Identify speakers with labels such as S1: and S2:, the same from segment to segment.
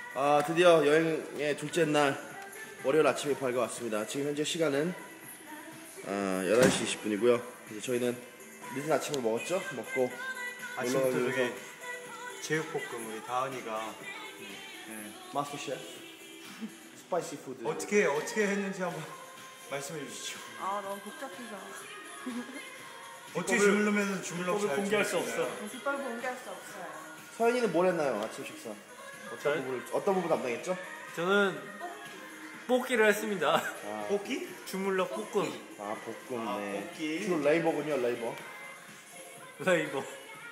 S1: 드디어 여행의 둘째 날 월요일 아침에 밝아왔습니다. 지금 현재 시간은 11시 20분이고요. 이제 저희는 늦은 아침을 먹었죠? 먹고
S2: 아침부터 저기 제육볶음 우리 다은이가
S1: 마스터 셰프 스파이시 푸드
S2: 어떻게 했는지 한번 말씀해 주시죠.
S3: 너무 복잡해서
S2: 어떻게 주물르면 주물럭 잘
S4: 공개할 수 없어.
S3: 뒷발 공개할 수 없어요.
S1: 서현이는 뭘 했나요? 아침 식사 어떤 부분 담당했죠?
S4: 저는 뽑기를 했습니다.
S2: 볶기?
S4: 주물럭 볶음.
S1: 볶음. 네.
S2: 볶기.
S1: 주로 레이버군요. 레이버.
S4: 레이버.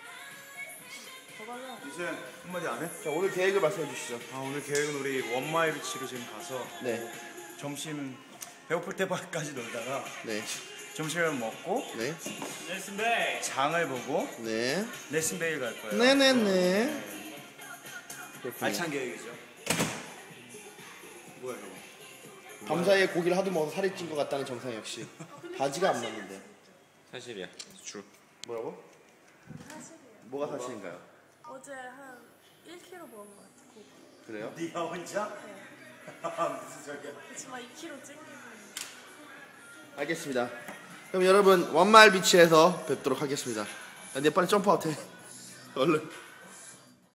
S2: 이제 한마디 안 해?
S1: 자, 오늘 계획을 말씀해 주시죠.
S2: 오늘 계획은 우리 원마일 비치로 지금 가서
S1: 네.
S2: 점심 배고플 때까지 놀다가
S1: 네.
S2: 점심을 먹고
S1: 네.
S4: 넬슨베이.
S2: 장을 보고
S1: 네.
S2: 넬슨베일 갈 거예요.
S1: 네네네.
S2: 알찬 계획이죠. 뭐야 이거?
S1: 밤사이에 고기를 하도 먹어서 살이 찐 것 같다는 정상혁 씨. 바지가 안 맞는데.
S4: 사실이야. 주.
S1: 뭐라고?
S3: 사실이에요.
S1: 뭐가 사실인가요?
S3: 어제 한 1kg 먹은 것 같고
S1: 그래요?
S2: 네가 혼자? 무슨 소리야?
S3: 그렇지만 2kg 찡기고
S1: 알겠습니다. 그럼 여러분 원마일 비치에서 뵙도록 하겠습니다. 야, 내 빨리 점프아웃 해. 얼른.